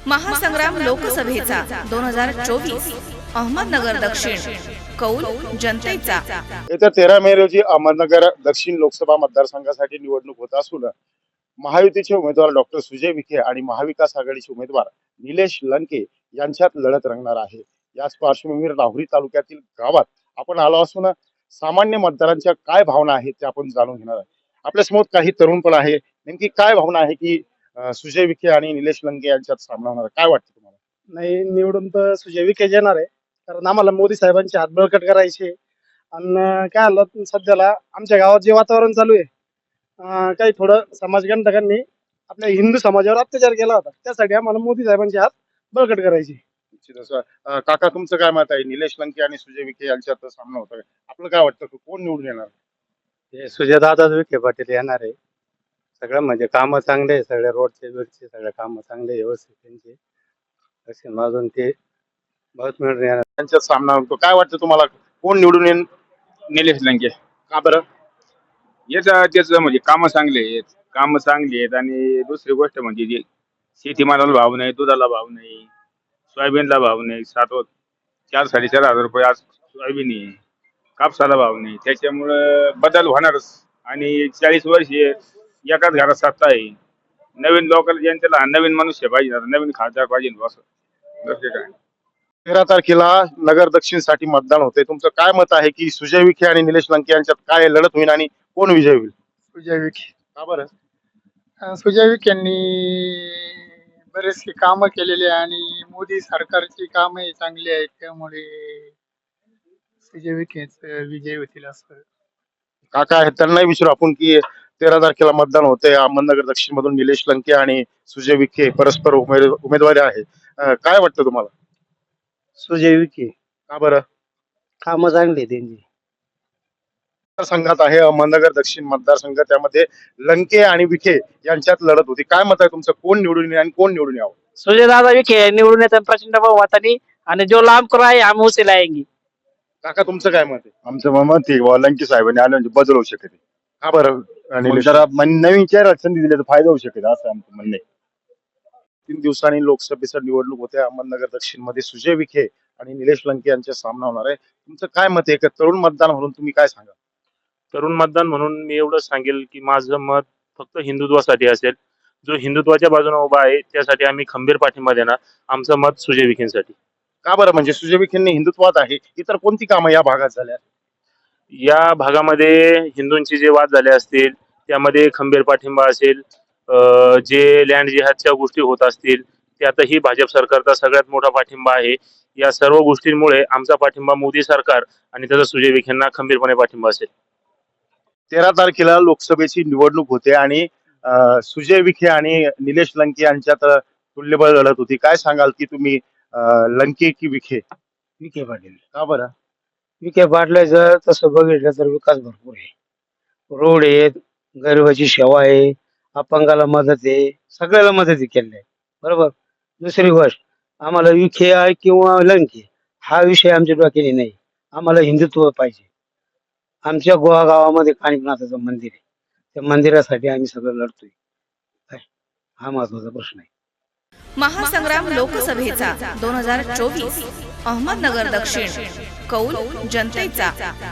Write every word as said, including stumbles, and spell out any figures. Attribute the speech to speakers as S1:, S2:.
S1: महासंग्राम लोकसभेचा दोन हजार चोवीस अहमदनगर दक्षिण कौल जनतेचा।
S2: येत्या तेरा मे रोजी अहमदनगर दक्षिण लोकसभा मतदारसंघासाठी निवडणूक होत असून महायुतीचे उमेदवार डॉक्टर सुजय विखे आणि महाविकास आघाडीचे उमेदवार निलेश लंके यांच्यात लढत रंगणार आहे। याच पार्श्वभूमीवर राहुरी तालुक्यातील गावात आपण आलो असून सामान्य मतदारांच्या काय भावना आहेत ते आपण जाणून घेणार आहे। आपल्या समोर काही तरुण पण आहे, नेमकी काय भावना आहे की सुजय विखे आणि निलेश लंके यांच्यात सामना होणार, काय वाटतं तुम्हाला?
S3: नाही, निवडून तर सुजय विखे येणार आहे, कारण आम्हाला मोदी साहेबांचे हात बळकट करायचे। आणि काय आलं सध्याला आमच्या गावात जे वातावरण चालू आहे, अं, काही थोडं समाजकंटकांनी आपल्या हिंदू समाजावर अत्याचार केला होता, त्यासाठी आम्हाला मोदी साहेबांचे हात बळकट करायचे।
S2: निश्चितच. अं, काका तुमचं काय मत आहे? निलेश लंके आणि सुजय विखे यांच्यात सामना होतोय, आपलं काय वाटतं कोण निवडून येणार?
S4: हे सुजयदादा विखे पाटील येणार आहे। सगळं म्हणजे कामं चांगले आहे, सगळे रोडचे बिडचे सगळे कामं चांगले आहे, व्यवस्थित त्यांचे असे माजून ते बहुत मिळून येणार।
S2: त्यांच्यात सामना होतो, काय वाटतं तुम्हाला कोण निवडून येईल?
S5: निलेश लंके।
S2: का बरं?
S5: याचा त्याचं म्हणजे कामं चांगले आहेत, कामं चांगली आहेत। आणि दुसरी गोष्ट म्हणजे जे शेतीमालाला भाव नाही, दुधाला भाव नाही, सोयाबीनला भाव नाही, सात व- चार साडेचार हजार रुपये आज सोयाबीन आहे, कापसाला भाव नाही, त्याच्यामुळं बदल होणारच। आणि चाळीस वर्ष एकाच घरात सत्ता आहे, नवीन लोकल जनतेला नवीन मनुष्य पाहिजे, आता नवीन खासदार पाहिजे असं दुसरे काय।
S2: तेरा तारखेला नगर दक्षिण साठी मतदान होते, तुमचं काय मत आहे की सुजय विखे आणि निलेश लंके यांच्यात काय लढत होईल आणि कोण विजय होईल?
S3: सुजय विखे।
S2: का बरं?
S3: अं, सुजय विखेंनी बरेचसे कामं केलेले आणि मोदी सरकारची कामं चांगली आहेत, त्यामुळे सुजय विखेच विजय होतील असं।
S2: काका आहेत त्यांनाही विचारू आपण की तेरा तारखेला मतदान होते अहमदनगर दक्षिण मधून निलेश लंके आणि सुजय विखे परस्पर उमेद उमेदवारी आहे, अं, काय वाटतं तुम्हाला?
S4: सुजय विखे
S2: का बरं?
S4: कामं चांगली आहे त्यांची।
S2: संघात आहे अहमदनगर दक्षिण मतदारसंघ, त्यामध्ये लंके आणि विखे यांच्यात लढत होती, काय मत आहे तुमचं कोण निवडून येईल आणि कोण निवडून यावं?
S6: सुजयदादा विखे निवडून येतात प्रचंड बहुमताने, आणि जो लांब करो आहे हम उसे लाएंगे।
S2: काका तुमचं काय मत आहे?
S7: आमचं मत आहे बुवा, लंके साहेबांनी आलं म्हणजे बदल होऊ शकते।
S2: का बरं? आणि
S7: मग जरा मन- नवीन चेहरा संधी दिली तर फायदा होऊ शकेल असं आमचं म्हणणं आहे।
S2: तीन दिवसांनी लोकसभेचं निवडणूक होते अहमदनगर दक्षिण मध्ये सुजय विखे आणि निलेश लंके यांचा सामना होणार आहे, तुमचं काय मत आहे? एक तरुण मतदान म्हणून तुम्ही काय सांगा?
S8: तरुण मतदान म्हणून मी एवढं सांगेल की माझं मत फक्त हिंदुत्वासाठी असेल। जो हिंदुत्वाच्या बाजूने उभा आहे त्यासाठी आम्ही खंबीर पाठिंबा देणार। आमचं मत सुजय विखेंसाठी।
S2: का बरं? म्हणजे सुजय विखेंनी हिंदुत्वात आहे, इतर कोणती कामं या भागात झाल्या?
S8: या भागामध्ये हिंदूंचे जे वाद झाले असतील त्यामध्ये खंबीर पाठिंबा असेल, अं, जे लँड जिहादच्या गोष्टी होत असतील त्यातही भाजप सरकारचा सगळ्यात मोठा पाठिंबा आहे। या सर्व गोष्टींमुळे आमचा पाठिंबा मोदी सरकार आणि त्याचा सुजय विखेंना खंबीरपणे पाठिंबा असेल।
S2: तेरा तारखेला लोकसभेची निवडणूक होते आणि अं, सुजय विखे आणि निलेश लंके यांच्यात तुल्यबळ लढत होती, काय सांगाल की तुम्ही अं, लंके की विखे?
S4: विखे पाटील।
S2: का बरं?
S4: विखे पाटलाचं तसं बघितलं तर विकास भरपूर आहे, रोड आहेत, गरिबाची सेवा आहे, अपंगाला मदत आहे, सगळ्याला मदत केली आहे, बरोबर। दुसरी गोष्ट, आम्हाला विखे आहे किंवा लंके हा विषय आमच्या डोक्याने नाही, आम्हाला हिंदुत्व पाहिजे। आमच्या गोवा गावामध्ये कानिकनाथाचं मंदिर आहे, त्या मंदिरासाठी आम्ही सगळं लढतोय, काय हा महत्वाचा प्रश्न आहे।
S1: महासंग्राम लोकसभेचा दोन हजार चोवीस अहमदनगर दक्षिण कौल जनतेचा।